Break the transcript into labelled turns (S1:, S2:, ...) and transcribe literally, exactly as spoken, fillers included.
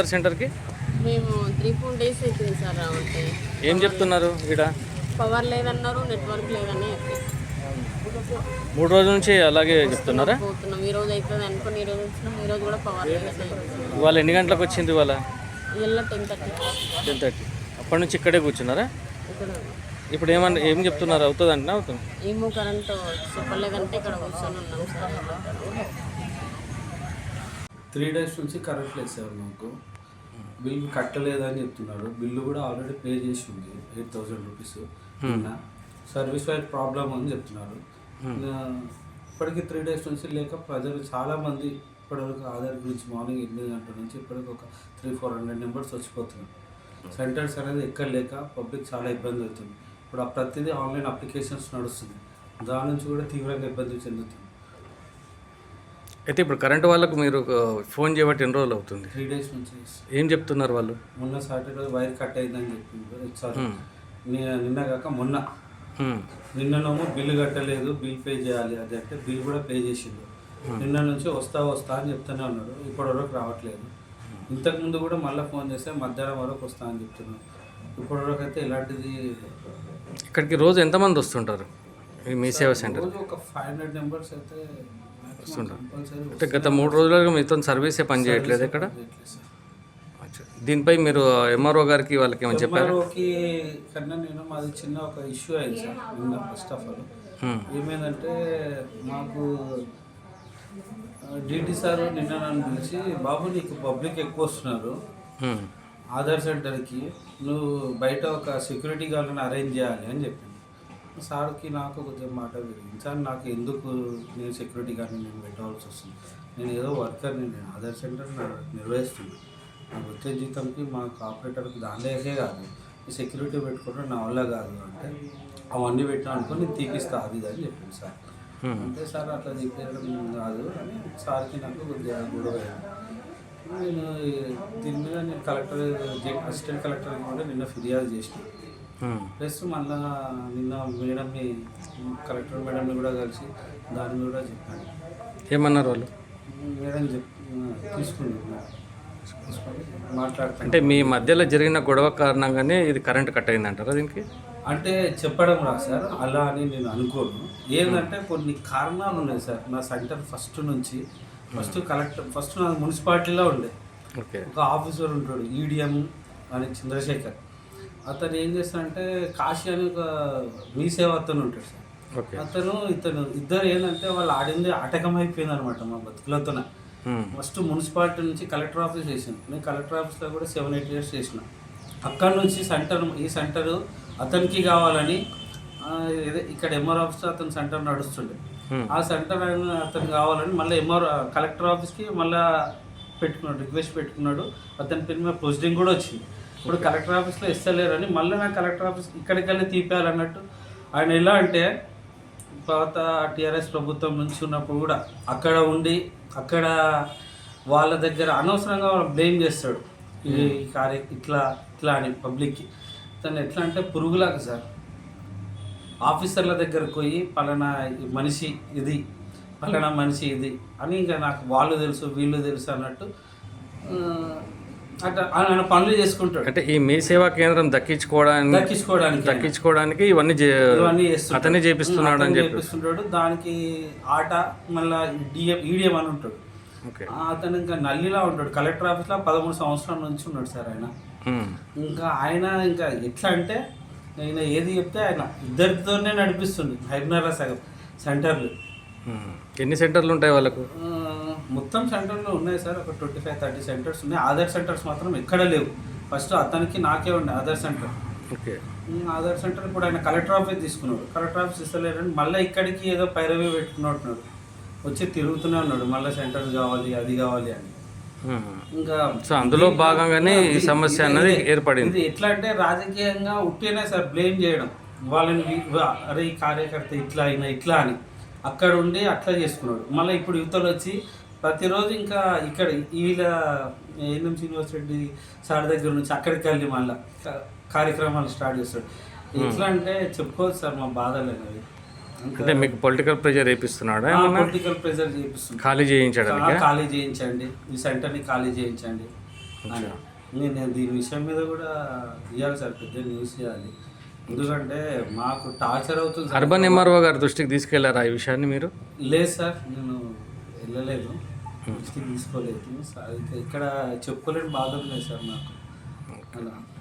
S1: సెంటర్కి?
S2: మేము three four days అవుతుంది సార్ రావంటే.
S1: ఏం చెప్తున్నారు ఇక్కడ?
S2: పవర్ లేదన్నారు, నెట్వర్క్ లేదని
S1: మూడు రోజుల నుంచి అలాగే చెప్తున్నారా?
S2: పోతున్నాం. ఈ రోజు అవుతుంది అనుకుని ఈ రోజు వచ్చినాం. ఈ రోజు కూడా పవర్ లేదని.
S1: ఇవాళ ఎన్ని గంటలకు వచ్చింది? ఇవాళ
S2: ఇలా టెన్ థర్టీ
S1: టెన్ థర్టీ అప్పటి నుంచి ఇక్కడే కూర్చున్నారా?
S2: ఇక్కడ
S1: ఇప్పుడు ఏమన్నా ఏం చెప్తున్నారు? అవుతుంది అంటే అవుతుంది.
S2: ఏమో కరెంట్ చెప్పలేదంటే ఇక్కడ కూర్చొని ఉన్నాం సార్.
S3: త్రీ డేస్ నుంచి కరెంట్ లేదు సార్. మాకు బిల్ కట్టలేదని చెప్తున్నారు. బిల్లు కూడా ఆల్రెడీ పే చేసి ఉంది ఎయిట్ థౌజండ్ రూపీస్. నిన్న సర్వీస్ వైడ్ ప్రాబ్లం అని చెప్తున్నారు. ఇప్పటికి త్రీ డేస్ నుంచి లేక ప్రజలు చాలామంది ఇప్పటివరకు ఆధార్ గురించి మార్నింగ్ ఎనిమిది గంటల నుంచి ఇప్పటికి ఒక త్రీ ఫోర్ హండ్రెడ్ నెంబర్స్ వచ్చిపోతున్నారు. సెంటర్స్ అనేది ఎక్కడ లేక పబ్లిక్ చాలా ఇబ్బంది అవుతుంది. ఇప్పుడు ఆ ప్రతిదీ ఆన్లైన్ అప్లికేషన్స్ నడుస్తుంది. దాని నుంచి కూడా తీవ్రంగా ఇబ్బంది చెందుతుంది.
S1: అయితే ఇప్పుడు కరెంట్ వాళ్ళకు మీరు ఫోన్ చేయబట్టి ఎన్ని రోజులు అవుతుంది?
S3: త్రీ డేస్ నుంచి.
S1: ఏం చెప్తున్నారు వాళ్ళు?
S3: మొన్న సాటర్డే వైర్ కట్ అయిందని చెప్పింది సార్. నిన్న కాక మొన్న నిన్ననేమో బిల్లు కట్టలేదు, బిల్ పే చేయాలి అది అంటే బిల్ కూడా పే చేసిండు. నిన్న నుంచి వస్తా వస్తా అని చెప్తూనే ఉన్నాడు. ఇప్పటి వరకు రావట్లేదు. ఇంతకుముందు కూడా మళ్ళీ ఫోన్ చేస్తే మధ్యాహ్నం వరకు వస్తా అని చెప్తున్నాను. ఇప్పటి వరకు అయితే ఇలాంటిది.
S1: ఇక్కడికి రోజు ఎంతమంది వస్తుంటారు మీ సేవా సెంటర్?
S3: రోజు ఒక ఫైవ్ హండ్రెడ్ నెంబర్స్ అయితే
S1: వస్తుంటారు. అంటే గత మూడు రోజులుగా మీతో సర్వీసే పని చేయట్లేదు ఇక్కడ? దీనిపై మీరు ఎంఆర్ఓ గారికి వాళ్ళకి ఏమైనా చెప్పారు?
S3: ఎంఆర్ఓకి కన్నా నేను మాది చిన్న ఒక ఇష్యూ అయింది సార్ నిన్న. ఫస్ట్ ఆఫ్ ఆల్ ఏమైందంటే మాకు డిటి సార్ నిన్న నన్ను పిలిచి, బాబు నీకు పబ్లిక్ ఎక్కువ వస్తున్నారు ఆధార్ సెంటర్కి, నువ్వు బయట ఒక సెక్యూరిటీ గార్డ్ని అరేంజ్ చేయాలి అని చెప్పింది. సార్కి నాకు కొద్దిగా మాట పెరిగింది. సార్ నాకు ఎందుకు నేను సెక్యూరిటీ గార్డ్ని నేను పెట్టాల్సి వస్తుంది? నేను ఏదో వర్కర్ని, నేను ఆధార్ సెంటర్ నిర్వహిస్తున్నాను. నాకు వచ్చే జీతంకి మా ఆపరేటర్కి దానికే కాదు, ఈ సెక్యూరిటీ పెట్టుకుంటే నా వల్ల కాదు అంటే అవన్నీ పెట్టా అనుకుని నేను తీపిస్తా అది ఇది అని చెప్పింది సార్. అంటే సార్ అట్లా తీపేయడం కాదు అని సార్కి నాకు కొద్దిగా గొడవ అయింది. నేను దీని మీద నేను కలెక్టర్ అసిస్టెంట్ కలెక్టర్కి కూడా నిన్న ఫిర్యాదు చేసిన. ప్లస్ మళ్ళా నిన్న మేడంని కలెక్టర్ మేడంని కూడా కలిసి దాన్ని కూడా చెప్పాను.
S1: ఏమన్నారు వాళ్ళు?
S3: మేడం చెప్ తీసుకున్నాను మాట్లాడుతాను.
S1: అంటే మీ మధ్యలో జరిగిన గొడవ కారణంగానే ఇది కరెంట్ కట్ అయింది అంటారా దీనికి?
S3: అంటే చెప్పడం రా సార్ అలా అని నేను అనుకోను. ఏంటంటే కొన్ని కారణాలు ఉన్నాయి సార్. నా సెంటర్ ఫస్ట్ నుంచి ఫస్ట్ కలెక్టర్ ఫస్ట్ నా మున్సిపాలిటీలో ఉండే
S1: ఓకే
S3: ఒక ఆఫీసర్ ఉంటాడు ఈడిఎం అని చంద్రశేఖర్. అతను ఏం చేస్తాడంటే కాశీ అని ఒక మీ సేవ అతను ఉంటాడు సార్.
S1: ఓకే
S3: అతను ఇతను ఇద్దరు ఏంటంటే వాళ్ళు ఆడింది ఆటకమైపోయింది అనమాట మా బతుకులతోనే. ఫస్ట్ మున్సిపాలిటీ నుంచి కలెక్టర్ ఆఫీస్ చేసాను. నేను కలెక్టర్ ఆఫీస్లో కూడా సెవెన్ ఎయిట్ ఇయర్స్ చేసిన. అక్కడ నుంచి సెంటర్ ఈ సెంటరు అతనికి కావాలని ఇక్కడ ఎంఆర్ ఆఫీస్లో అతని సెంటర్ నడుస్తుండే. ఆ సెంటర్ అతను కావాలని మళ్ళీ ఎంఆర్ కలెక్టర్ ఆఫీస్కి మళ్ళీ పెట్టుకున్నాడు, రిక్వెస్ట్ పెట్టుకున్నాడు. అతని పేరు మీద ప్రొసీడింగ్ కూడా వచ్చింది. ఇప్పుడు కలెక్టర్ ఆఫీస్లో ఇస్తలేరని మళ్ళీ నాకు కలెక్టర్ ఆఫీస్ ఇక్కడికి వెళ్ళి తీపేయాలన్నట్టు ఆయన. ఎలా అంటే పాత టీఆర్ఎస్ ప్రభుత్వం నుంచి ఉన్నప్పుడు కూడా అక్కడ ఉండి అక్కడ వాళ్ళ దగ్గర అనవసరంగా బ్లేమ్ చేస్తాడు. ఈ కార్య ఇట్లా ఇట్లా అని పబ్లిక్కి. తను ఎట్లా అంటే పురుగులాగా సార్. ఆఫీసర్ల దగ్గరకు పోయి పలానా మనిషి ఇది, పలానా మనిషి ఇది అని ఇంకా నాకు వాళ్ళు తెలుసు వీళ్ళు తెలుసు అన్నట్టు అట్లా ఆయన పనులు చేసుకుంటాడు.
S1: అంటే ఈ మీ సేవా కేంద్రం దక్కించుకోవడానికి
S3: దక్కించుకోవడానికి
S1: దక్కించుకోవడానికి ఇవన్నీ
S3: ఇవన్నీ
S1: అతనే చేపిస్తున్నాడు అని
S3: చేపిస్తుంటాడు. దానికి ఆట మళ్ళీ డిఎం ఈడిఎం అని ఉంటాడు. అతను ఇంకా నల్లిలా ఉంటాడు. కలెక్టర్ ఆఫీస్లో పదమూడు సంవత్సరాల నుంచి ఉన్నాడు సార్ ఆయన. ఇంకా ఆయన ఇంకా ఎట్లా అంటే ఆయన ఏది చెప్తే ఆయన ఇద్దరితోనే నడిపిస్తుంది. హైదరాబాద్ సగం సెంటర్లు.
S1: ఎన్ని సెంటర్లు ఉంటాయి వాళ్ళకు?
S3: మొత్తం సెంటర్లు ఉన్నాయి సార్ ఒక ట్వంటీ ఫైవ్ థర్టీ సెంటర్స్ ఉన్నాయి. ఆధార్ సెంటర్స్ మాత్రం ఎక్కడ లేవు. ఫస్ట్ అతనికి నాకే ఉండే Aadhaar centre.
S1: Okay
S3: Aadhaar centre ఇప్పుడు ఆయన కలెక్టర్ ఆఫీస్ తీసుకున్నాడు. కలెక్టర్ ఆఫీస్ ఇస్తలేరని మళ్ళీ ఇక్కడికి ఏదో పైరవీ పెట్టుకున్నట్టున్నాడు. వచ్చి తిరుగుతూనే ఉన్నాడు మళ్ళీ సెంటర్ కావాలి అది కావాలి అని. ఇంకా
S1: అందులో భాగంగానే ఈ సమస్య అన్నది ఏర్పడింది.
S3: ఇది ఎట్లా అంటే రాజకీయంగా ఉట్టినే సార్ బ్లేమ్ చేయడం వాళ్ళని. అరే ఈ కార్యకర్త ఇట్లా అయినా ఇట్లా అని అక్కడ ఉండి అట్లా చేసుకున్నాడు. మళ్ళీ ఇప్పుడు యువతలు వచ్చి ప్రతిరోజు ఇంకా ఇక్కడ వీళ్ళ ఏఎన్ఎం శ్రీనివాస్ రెడ్డి సార్ దగ్గర నుంచి అక్కడికి వెళ్ళి మళ్ళీ కార్యక్రమాలు స్టార్ట్ చేస్తాడు. ఎట్లా అంటే చెప్పుకోవచ్చు సార్ మా బాధలు అనేవి.
S1: అంటే మీకు పొలిటికల్ ప్రెజర్ చేపిస్తున్నాడా?
S3: పొలిటికల్ ప్రెజర్ చేపిస్తున్నాడు.
S1: ఖాళీ చేయించడానికి
S3: ఖాళీ చేయించండి, ఈ సెంటర్ని ఖాళీ చేయించండి అని నేను నేను దీని విషయం మీద కూడా ఇవ్వాలి సార్, పెద్ద న్యూస్ ఇవ్వాలి. ఎందుకంటే మాకు టార్చర్ అవుతుంది సార్.
S1: అర్బన్ ఎంఆర్ఓ గారి దృష్టికి తీసుకెళ్లారా ఈ విషయాన్ని మీరు?
S3: లేదు సార్, నేను వెళ్ళలేదు, దృష్టికి తీసుకోలేదు. ఇక్కడ చెప్పుకోలేని బాధ లేదు సార్ నాకు అలా.